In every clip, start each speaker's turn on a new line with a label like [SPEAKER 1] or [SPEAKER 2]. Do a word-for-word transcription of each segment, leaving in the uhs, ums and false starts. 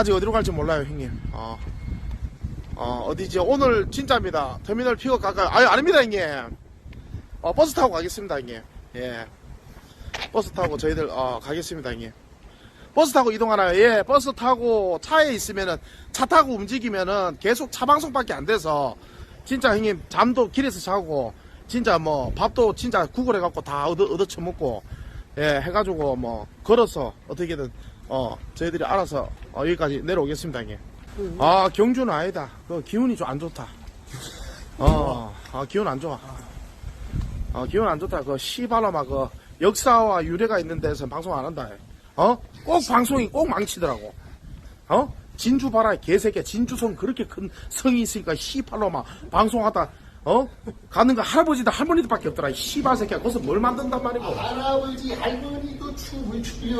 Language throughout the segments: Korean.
[SPEAKER 1] 아직 어디로 갈지 몰라요, 형님. 어, 어, 어디지? 오늘 진짜입니다. 터미널 픽업 갈까요? 아유, 아닙니다, 형님. 어, 버스 타고 가겠습니다, 형님. 예. 버스 타고 저희들, 어, 가겠습니다, 형님. 버스 타고 이동하나요? 예, 버스 타고 차에 있으면은, 차 타고 움직이면은 계속 차 방송밖에 안 돼서, 진짜 형님, 잠도 길에서 자고, 진짜 뭐, 밥도 진짜 구글 해갖고 다 얻어, 얻어 처먹고, 예, 해가지고 뭐, 걸어서 어떻게든, 어, 저희들이 알아서, 어, 여기까지 내려오겠습니다, 형님. 아, 경주는 아니다. 그 기운이 좀 안 좋다. 어, 아, 기운 안 좋아. 어, 기운 안 좋다. 그 시바라마 그 역사와 유래가 있는 데서 방송 안 한다. 어? 꼭 방송이 꼭 망치더라고. 어? 진주 봐라, 개새끼야. 진주성 그렇게 큰 성이 있으니까 시팔로마 방송하다, 어? 가는 거 할아버지들 할머니들밖에 없더라. 이 시발 새끼야. 거기서 뭘 만든단 말이고.
[SPEAKER 2] 할아버지 할머니도 춤을 추려.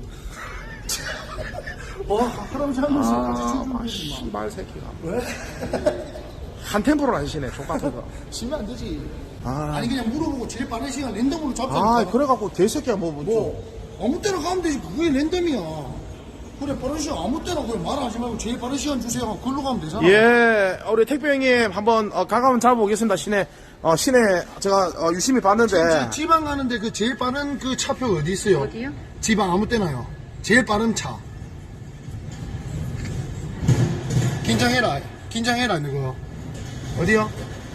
[SPEAKER 2] 와, 할아버지 할머니 같이
[SPEAKER 1] 아,
[SPEAKER 2] 춤을
[SPEAKER 1] 아,
[SPEAKER 2] 추지
[SPEAKER 1] 시발 새끼가.
[SPEAKER 2] 왜?
[SPEAKER 1] 한 템포로 안 쉬네, 족같은 거.
[SPEAKER 2] 치면 안 되지.
[SPEAKER 1] 아,
[SPEAKER 2] 아니 그냥 물어보고 제일 빠른 시간 랜덤으로 잡자니까.
[SPEAKER 1] 아, 그래갖고 개새끼야, 뭐, 뭐.
[SPEAKER 2] 뭐 아무 때나 가면 되지. 그게 랜덤이야. 그래 빠른 시간 아무 때나 그걸 말하지 말고 제일 빠른 시간 주세요. 그걸로 가면 되잖아.
[SPEAKER 1] 예, 우리 택배 형님 한번 어, 가가면 잡아보겠습니다. 시내, 어, 시내 제가 어, 유심히 봤는데.
[SPEAKER 2] 지- 지방 가는데 그 제일 빠른 그 차표 어디 있어요?
[SPEAKER 3] 어디요?
[SPEAKER 2] 지방 아무 때나요. 제일 빠른 차. 긴장해라. 긴장해라 이거. 어디요?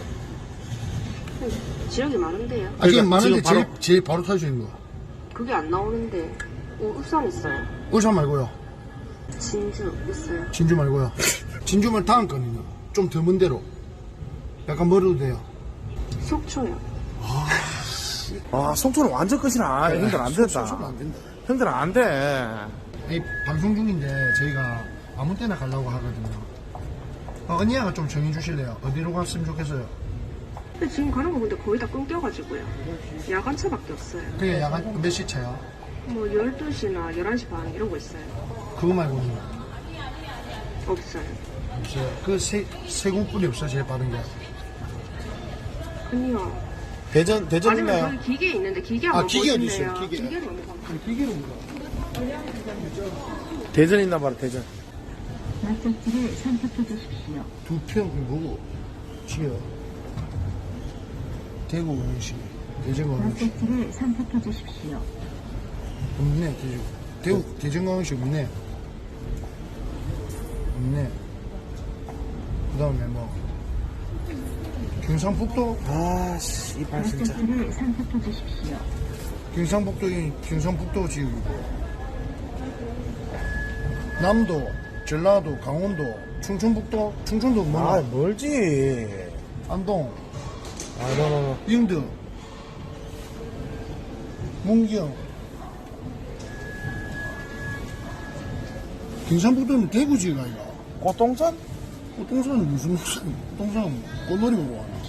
[SPEAKER 3] 지역이 많은데요.
[SPEAKER 2] 아, 지금
[SPEAKER 1] 그러니까
[SPEAKER 2] 많은데
[SPEAKER 1] 지금 바로-
[SPEAKER 2] 제일, 제일 바로 탈 수 있는 거.
[SPEAKER 3] 그게 안 나오는데. 오, 울산 있어요.
[SPEAKER 2] 울산 말고요.
[SPEAKER 3] 진주 있어요.
[SPEAKER 2] 진주 말고요. 진주면 다음 거는요. 좀 더 먼 데로. 약간 멀어도 돼요.
[SPEAKER 3] 속초요.
[SPEAKER 1] 아, 송초는 완전 끝이나. 형들 안 된다.
[SPEAKER 2] 소소는 안 된다.
[SPEAKER 1] 형들 안 돼.
[SPEAKER 2] 이 방송 중인데 저희가 아무 때나 가려고 하거든요. 어, 언니야가 좀 정해주실래요? 어디로 갔으면 좋겠어요?
[SPEAKER 3] 근데 지금 가는 거 근데 거의 다 끊겨가지고요. 야간차밖에 없어요.
[SPEAKER 2] 그게 야간 몇 시 차야?
[SPEAKER 3] 뭐 열두 시나 열한 시 반 이런 거 있어요.
[SPEAKER 2] 그거 말고는
[SPEAKER 3] 없어요.
[SPEAKER 2] 없어요. 그 세, 세 곳뿐이 없어, 제일 빠른 게.
[SPEAKER 3] 아니요.
[SPEAKER 1] 대전, 대전
[SPEAKER 3] 아니면
[SPEAKER 1] 있나요?
[SPEAKER 3] 저기 기계 있는데 기계
[SPEAKER 2] 아,
[SPEAKER 3] 한번
[SPEAKER 2] 기계 어디
[SPEAKER 3] 보실래요?
[SPEAKER 2] 있어요? 기계.
[SPEAKER 3] 기계를 한번 봐요.
[SPEAKER 2] 비기로 가.
[SPEAKER 1] 대전 있나 봐라, 대전.
[SPEAKER 4] 목적지를 선택해 주십시오.
[SPEAKER 2] 두 평, 그 뭐고? 지어. 대구 원시. 대전광역시.
[SPEAKER 4] 목적지를 선택해 주십시오.
[SPEAKER 2] 없네, 대전. 대구, 대전광역시 없네. 없네. 그 다음에 뭐. 경상북도?
[SPEAKER 1] 아, 씨발, 진짜.
[SPEAKER 4] 목적지를 선택해 주십시오.
[SPEAKER 2] 경상북도인 경상북도 지역이고. 남도, 전라도, 강원도, 충청북도, 충청도 뭐?
[SPEAKER 1] 아, 멀지.
[SPEAKER 2] 안동,
[SPEAKER 1] 아, 너너너.
[SPEAKER 2] 영등, 문경. 경상북도는 대구 지역 아이가?
[SPEAKER 1] 고동산?
[SPEAKER 2] 꽃동산은 무슨 무슨 꽃동산은 꽃놀이 보러 가나?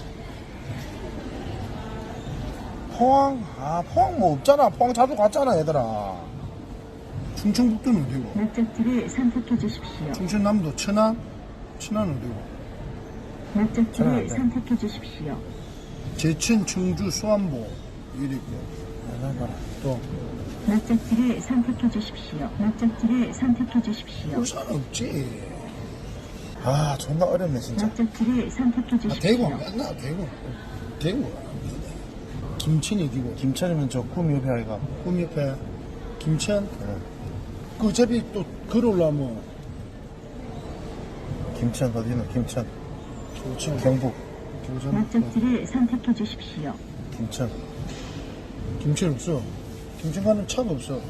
[SPEAKER 1] 포항? 아, 포항 뭐 없잖아. 포항 자주 갔잖아, 얘들아.
[SPEAKER 2] 충청북도는 어디고?
[SPEAKER 4] 목적지를 선택해 주십시오.
[SPEAKER 2] 충청남도 천안? 천안은 어디고?
[SPEAKER 1] 저는 안
[SPEAKER 4] 목적지를
[SPEAKER 1] 돼.
[SPEAKER 4] 선택해 주십시오.
[SPEAKER 2] 제천, 청주, 수안보 이리 있고. 또
[SPEAKER 4] 목적지를 선택해 주십시오. 목적지를 선택해 주십시오.
[SPEAKER 2] 울산은 없지.
[SPEAKER 1] 아, 존나 어렵네, 진짜.
[SPEAKER 4] 목적지를 선택해
[SPEAKER 2] 아, 대구
[SPEAKER 4] 주십시오.
[SPEAKER 2] 안 갔나? 대구. 대구 안 갔나? 김천이 어디고?
[SPEAKER 1] 김천이면 저 꿈이 옆에 아이가.
[SPEAKER 2] 꿈 옆에 김천? 그 어차피 또 걸어올라면
[SPEAKER 1] 김천 어디는 김천.
[SPEAKER 2] 교천,
[SPEAKER 1] 경북.
[SPEAKER 2] 교전,
[SPEAKER 4] 목적지를 선택해 주십시오.
[SPEAKER 1] 김천.
[SPEAKER 2] 김천 없어. 김천 가는 차가 없어.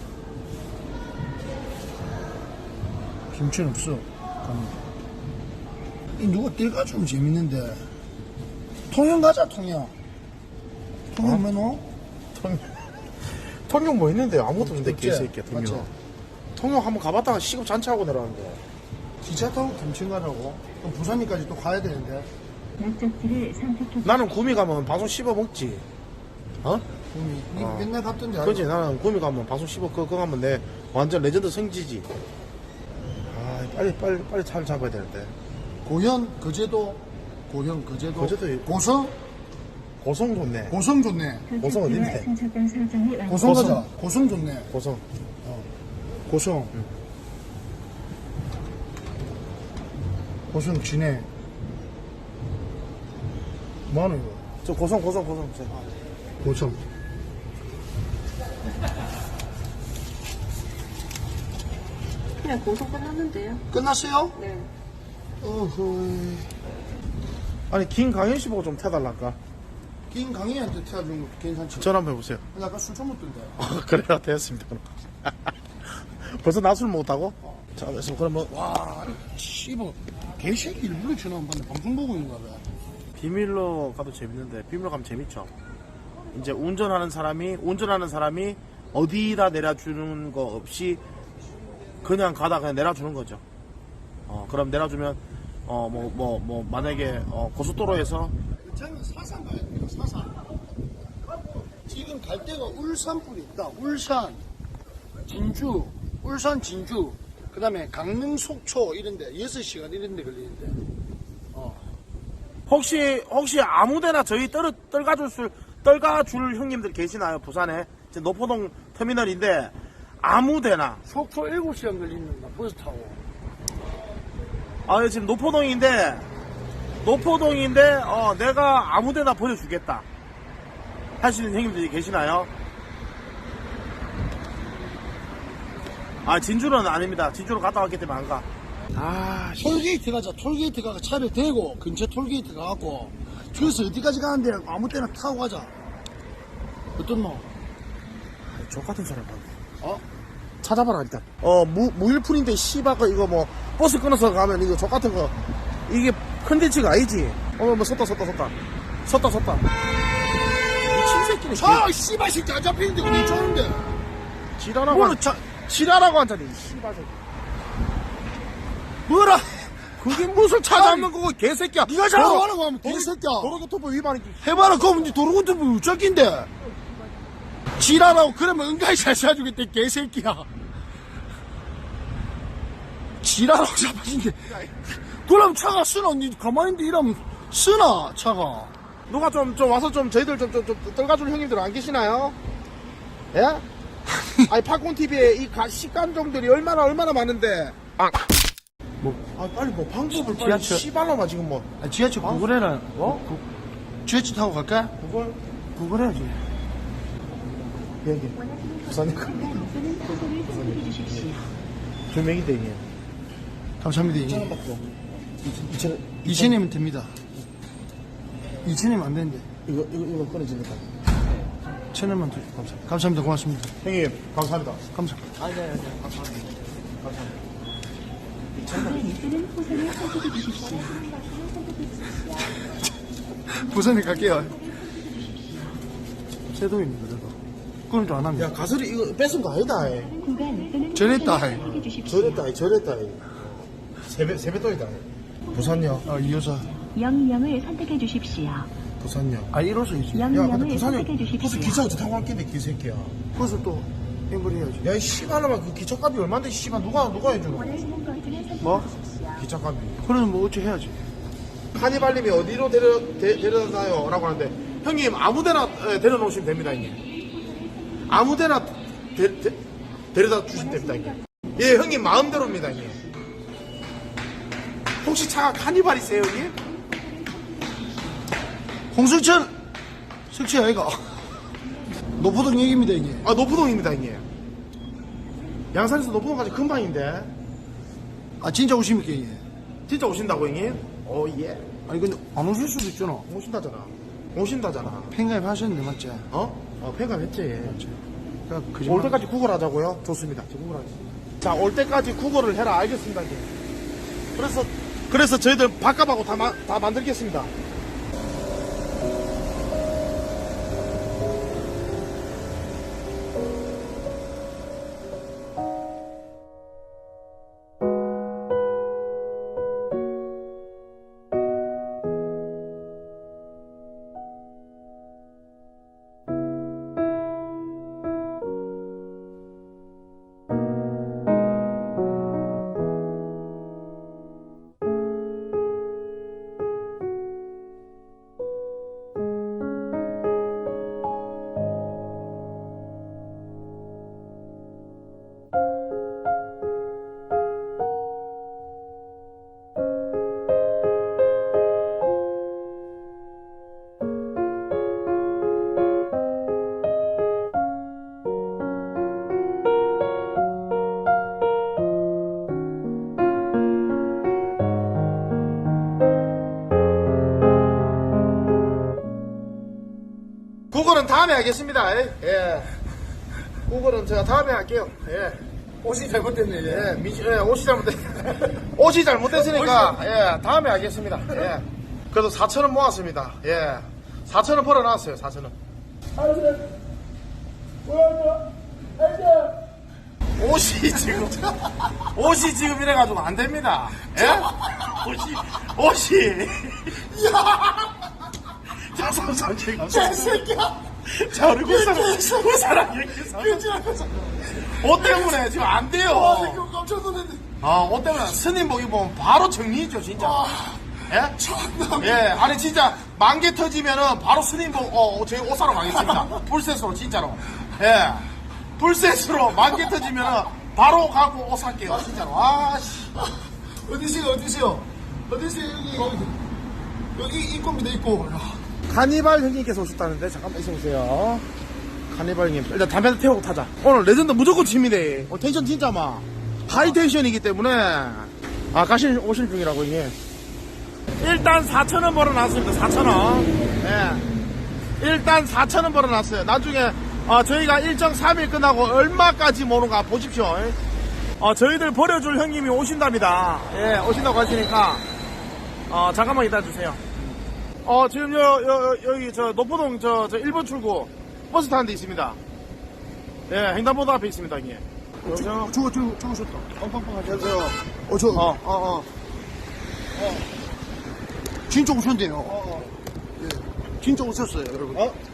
[SPEAKER 2] 김천 없어. 가면. 이 누가 뛸까 좀 재밌는데. 통영 가자, 통영. 통영
[SPEAKER 1] 어?
[SPEAKER 2] 면허?
[SPEAKER 1] 통, 통영 뭐 있는데 아무것도 없는데,
[SPEAKER 2] 없지?
[SPEAKER 1] 개새끼야, 통영.
[SPEAKER 2] 맞지?
[SPEAKER 1] 통영 한번 가봤다가 시급 잔치하고 내려왔는데.
[SPEAKER 2] 기차 타고 김천 가자고? 그럼 부산까지 또 가야 되는데.
[SPEAKER 4] 목적지를 선택해 주십시오.
[SPEAKER 1] 나는 구미 가면 방송 씹어 먹지. 어?
[SPEAKER 2] 그럼 니
[SPEAKER 1] 어.
[SPEAKER 2] 맨날 갔던데.
[SPEAKER 1] 그렇지. 나는 구미 가면 방송 씹어, 그거, 그거 가면 내 완전 레전드 성지지. 아, 빨리, 빨리, 빨리 차를 잡아야 되는데.
[SPEAKER 2] 고현, 거제도, 고현, 거제도.
[SPEAKER 1] 거제도 있고.
[SPEAKER 2] 고성?
[SPEAKER 1] 고성 좋네.
[SPEAKER 2] 고성 좋네.
[SPEAKER 1] 고성 어딘데?
[SPEAKER 4] 선착장 설정이 완료.
[SPEAKER 2] 고성
[SPEAKER 1] 고성.
[SPEAKER 2] 가자. 고성 좋네.
[SPEAKER 1] 고성.
[SPEAKER 2] 고성. 고성 진해. 뭐하노 이거?
[SPEAKER 1] 저 고성 고성 고성. 저.
[SPEAKER 2] 고성.
[SPEAKER 3] 그냥 고소 끝났는데요.
[SPEAKER 2] 끝났어요?
[SPEAKER 3] 네.
[SPEAKER 2] 어허.
[SPEAKER 1] 아니 김강현 씨 보고 좀 태달랄까?
[SPEAKER 2] 김강희한테 태워주는 것도 괜찮지.
[SPEAKER 1] 전화 한번 해보세요.
[SPEAKER 2] 약간 술 처먹던데.
[SPEAKER 1] 어, 그래요 되었습니다. 그럼. 벌써 낮술 먹었다고? 자 그래서 그럼 뭐
[SPEAKER 2] 와, 씨발. 개새끼 일부러 전화 안 받네. 방송 보고 있는가 봐.
[SPEAKER 1] 비밀로 가도 재밌는데 비밀로 가면 재밌죠. 이제 운전하는 사람이 운전하는 사람이 어디다 내려주는 거 없이 그냥 가다 그냥 내려주는 거죠. 어 그럼 내려주면 어 뭐 뭐 뭐 만약에 어, 고속도로에서
[SPEAKER 2] 저는 사산 가야 돼요. 사산. 지금 갈 데가 울산불이 있다. 울산, 진주, 울산, 진주. 그 다음에 강릉, 속초 이런데 여섯 시간 이런데 걸리는데. 어.
[SPEAKER 1] 혹시 혹시 아무데나 저희 떨 떨가줄 수 떨가줄 형님들 계시나요? 부산에 이제 노포동 터미널인데 아무데나
[SPEAKER 2] 속초 일곱 시간 걸리는 버스 타고.
[SPEAKER 1] 아 지금 노포동인데 노포동인데 어 내가 아무데나 보내주겠다 하시는 형님들이 계시나요? 아 진주는 아닙니다. 진주로 갔다 왔기 때문에 안 가. 아 씨.
[SPEAKER 2] 톨게이트 가자. 톨게이트 가서 차를 대고 근처 톨게이트 가갖고 저기서 어디까지 가는데 아무 때나 타고 가자. 어떤 놈?
[SPEAKER 1] 족같은 사람 봤네.
[SPEAKER 2] 어?
[SPEAKER 1] 찾아봐라 일단. 어 무, 무일푼인데 씨바가 이거 뭐 버스 끊어서 가면 이거 족같은 거 이게 컨텐츠가 아니지. 어머 뭐 섰다 섰다 섰다 섰다 섰다 미친 새끼네.
[SPEAKER 2] 차 씨발 새끼 안 잡히는데 어디 쩌는데?
[SPEAKER 1] 지랄하고
[SPEAKER 2] 뭐는
[SPEAKER 1] 한,
[SPEAKER 2] 차
[SPEAKER 1] 지랄하고 앉았네 이 씨발 새끼.
[SPEAKER 2] 뭐라?
[SPEAKER 1] 그게 무슨 찾아오는 거고 개새끼야.
[SPEAKER 2] 네가 잡아가라고 하면 개새끼야.
[SPEAKER 1] 도로교통법 위반이지.
[SPEAKER 2] 해봐라. 그럼 니 도로교통법 우쩍인데. 지랄하고 그러면 은가히 잘 쏴주겠대 개새끼야. 지랄하고 잡아진대. 그럼 차가 쓰나? 니 가만히 있는데 이러면 쓰나 차가.
[SPEAKER 1] 누가 좀, 좀 와서 좀 저희들 좀, 좀, 좀 떨가줄 형님들 안 계시나요? 예? 아니 팝콘티비에 이 가, 식감종들이 얼마나 얼마나 많은데. 아,
[SPEAKER 2] 뭐?
[SPEAKER 1] 아 빨리 뭐 방법을 빨리
[SPEAKER 2] 지하철.
[SPEAKER 1] 씨발로만 지금 뭐.
[SPEAKER 2] 아, 지하철 구글해라.
[SPEAKER 1] 어?
[SPEAKER 2] 구, 지하철 타고 갈까?
[SPEAKER 1] 그걸
[SPEAKER 2] 구글해야지.
[SPEAKER 1] 여기 부산님 두 명인데 이게
[SPEAKER 2] 감사합니다. 이제
[SPEAKER 1] 받고 이천
[SPEAKER 2] 이천이면 됩니다. 이천이면 안 되는데.
[SPEAKER 1] 이거 이거 이거 끊어지니까.
[SPEAKER 2] 천 원만 더. 감사합니다. 감사합니다. 고맙습니다.
[SPEAKER 1] 형님 감사합니다.
[SPEAKER 2] 감사합니다.
[SPEAKER 1] 아니 네, 네, 감사합니다.
[SPEAKER 2] 부산에 갈게요. 세동입니다, 그래도. 그럼 좀 안 합니다.
[SPEAKER 1] 야 가설이 이거 뺏은 거 아니다. 이.
[SPEAKER 2] 저랬다, 이.
[SPEAKER 1] 저랬다 이, 저랬다 이. 세배 세배돈이다. 부산역
[SPEAKER 2] 아, 이 여자.
[SPEAKER 4] 영영을 선택해 주십시오.
[SPEAKER 1] 부산역.
[SPEAKER 2] 아, 이로서이지.
[SPEAKER 1] 야 근데
[SPEAKER 4] 영영을
[SPEAKER 1] 부산역
[SPEAKER 4] 선택해
[SPEAKER 1] 무슨
[SPEAKER 4] 주십시오.
[SPEAKER 1] 기차 어떻게 타고 왔겠네 개새끼야.
[SPEAKER 2] 그래서 또, 앵벌 해야지.
[SPEAKER 1] 야이 씨발놈아 그 기차값이 얼마인데 씨발 누가 누가 해주는 거야?
[SPEAKER 2] 뭐?
[SPEAKER 1] 기차값이.
[SPEAKER 2] 그러면 뭐 어찌 해야지.
[SPEAKER 1] 카니발님이 어디로 데려, 데, 데려다요? 라고 하는데 형님 아무데나 에, 데려놓으시면 됩니다 형님. 아무데나 데, 데, 데려다 주시면 됩니다 형님. 예 형님 마음대로입니다 형님. 혹시 차가 카니발이세요 형님?
[SPEAKER 2] 홍승철! 석치 아이가. 노포동 얘기입니다, 이게.
[SPEAKER 1] 아 노포동입니다 형님. 양산에서 노포동까지 금방인데
[SPEAKER 2] 아, 진짜 오십니까, 이게?
[SPEAKER 1] 진짜 오신다고 형님? 오예
[SPEAKER 2] 아니, 근데 안 오실 수도 있잖아.
[SPEAKER 1] 오신다잖아. 오신다잖아.
[SPEAKER 2] 팬가입 하셨는데, 맞지?
[SPEAKER 1] 어? 어 폐가했지.
[SPEAKER 2] 그러니까
[SPEAKER 1] 올 때까지 구걸하자고요? 좋습니다. 구걸하자. 자, 올 때까지 구걸을 해라. 알겠습니다. 이제. 그래서 그래서 저희들 밥값하고 다, 마, 다 만들겠습니다. 그거는 다음에 하겠습니다. 예. 그거는 제가 다음에 할게요. 예.
[SPEAKER 2] 옷이 잘못됐네, 이제.
[SPEAKER 1] 예, 미시, 예, 옷이 잘못됐, 옷이 잘못됐으니까, 예, 다음에 하겠습니다. 예. 그래도 사천 원 모았습니다. 예. 사천 원 벌어놨어요, 사천 원. 옷이 지금, 옷이 지금 이래가지고 안 됩니다. 예? 옷이, 옷이. 자, 삼삼칠 감사합니다. 자, 우리 구사랑, 구사랑 얘기해서. 옷 때문에 지금 안 돼요.
[SPEAKER 2] 와, 이거 깜짝 놀랐네.
[SPEAKER 1] 아, 옷 때문에 스님복 입으면 바로 정리죠, 진짜. 예?
[SPEAKER 2] 참나.
[SPEAKER 1] 예, 아니, 진짜, 만개 터지면은 바로 스님복, 어, 저희 옷 사러 가겠습니다. 풀셋으로, 진짜로. 예. 풀셋으로 만개 터지면은 바로 가고 옷 살게요, 진짜로. 아, 씨.
[SPEAKER 2] 어디세요, 어디세요? 어디세요, 여기. 여기 입고입니다, 입고.
[SPEAKER 1] 카니발 형님께서 오셨다는데, 잠깐만 있어보세요. 카니발 형님. 일단 담배 하나 태우고 타자. 오늘 레전드 무조건 칩니다. 오늘 텐션 진짜 막. 하이 텐션이기 때문에. 아, 가신, 오신 중이라고, 형님. 일단 사천 원 벌어놨습니다. 사천 원. 예. 일단 사천 원 벌어놨어요. 나중에 어, 저희가 일정 삼 일 끝나고 얼마까지 모는가 보십시오. 어, 저희들 버려줄 형님이 오신답니다. 예, 오신다고 하시니까 어, 잠깐만 기다려주세요. 어, 지금 여, 여, 여기 저 노포동 저, 저 일 번 출구 버스 타는 데 있습니다. 예, 횡단보도 앞에 있습니다, 형님. 여보세요?
[SPEAKER 2] 저거, 저거, 저거 좋다. 빵빵빵 하세요. 어, 저,
[SPEAKER 1] 어, 어, 어.
[SPEAKER 2] 진짜 오셨네요. 어, 어. 예. 진짜 오셨어요, 여러분.
[SPEAKER 1] 어?